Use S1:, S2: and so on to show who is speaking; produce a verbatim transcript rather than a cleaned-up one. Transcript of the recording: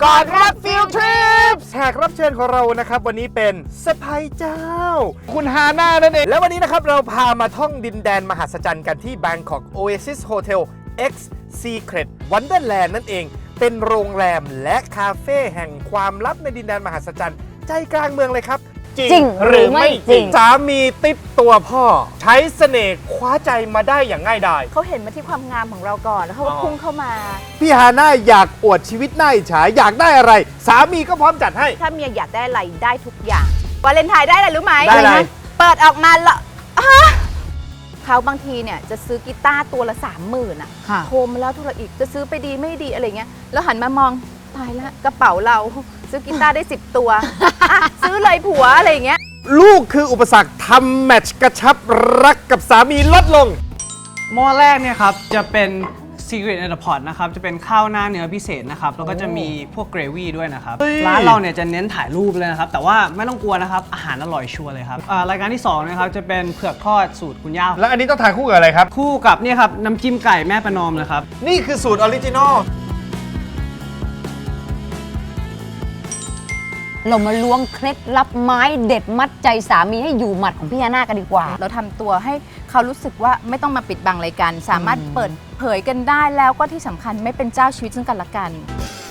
S1: ก่อนรับฟิลทริปแขกรับเชิญของเรานะครับวันนี้เป็นสะพายเจ้าคุณฮาน่านั่นเองและวันนี้นะครับเราพามาท่องดินแดนมหัศจรรย์กันที่ Bangkok Oasis Hotel X Secret Wonderland นั่นเองเป็นโรงแรมและคาเฟ่แห่งความลับในดินแดนมหัศจรรย์ใจกลางเมืองเลยครับจริงหรือไม่จริงสามีติดตัวพ่อใช้เสน่ห์คว้าใจมาได้อย่างง่ายดาย
S2: เขาเห็นมาที่ความงามของเราก่อนแล้วเขาก็พุ่งเข้ามา
S1: พี่ฮาน่าอยากอวดชีวิตน่าอิจฉาอยากได้อะไรสามีก็พร้อมจัดให้
S2: ถ้าเมียอยากได้อะไรได้ทุกอย่างวาเลนไทน์ได้อะไรรู้ไหม
S1: ได้อะไร
S2: เปิดออกมาละเขาบางทีเนี่ยจะซื้อกีตาร์ตัวละสามหมื่นอ่ะโทรมาแล้วโทรอีกจะซื้อไปดีไม่ดีอะไรเงี้ยแล้วหันมามองตายละกระเป๋าเราซื้อกีตาร์ได้สิบตัวซื้อเลยผัวอะไรเงี้ย
S1: ลูกคืออุปสรรคทำแมตช์กระชับรักกับสามีลดลง
S3: หม้อแรกเนี่ยครับจะเป็น Secret in the Pot นะครับจะเป็นข้าวหน้าเนื้อพิเศษนะครับแล้วก็จะมีพวกเกรวี่ด้วยนะครับร้านเราเนี่ยจะเน้นถ่ายรูปเลยนะครับแต่ว่าไม่ต้องกลัวนะครับอาหารอร่อยชัวร์เลยครับรายการที่สองนะครับจะเป็นเผือกทอดสูตรคุณย่า
S1: แล้วอันนี้ต้องทานคู่กับอะไรครับ
S3: คู่กับเนี่ยครับน้ำจิ้มไก่แม่ประนอมเลยครับ
S1: นี่คือสูตรออริจินอล
S4: เรามาล้วงเคล็ดลับไม้เด็ดมัดใจสามีให้อยู่หมัดของพี่ฮาน่ากันดีกว่า
S2: เราทำตัวให้เขารู้สึกว่าไม่ต้องมาปิดบังอะไรกันสามารถเปิดเผยกันได้แล้วก็ที่สำคัญไม่เป็นเจ้าชีวิตซึ่งกันและกัน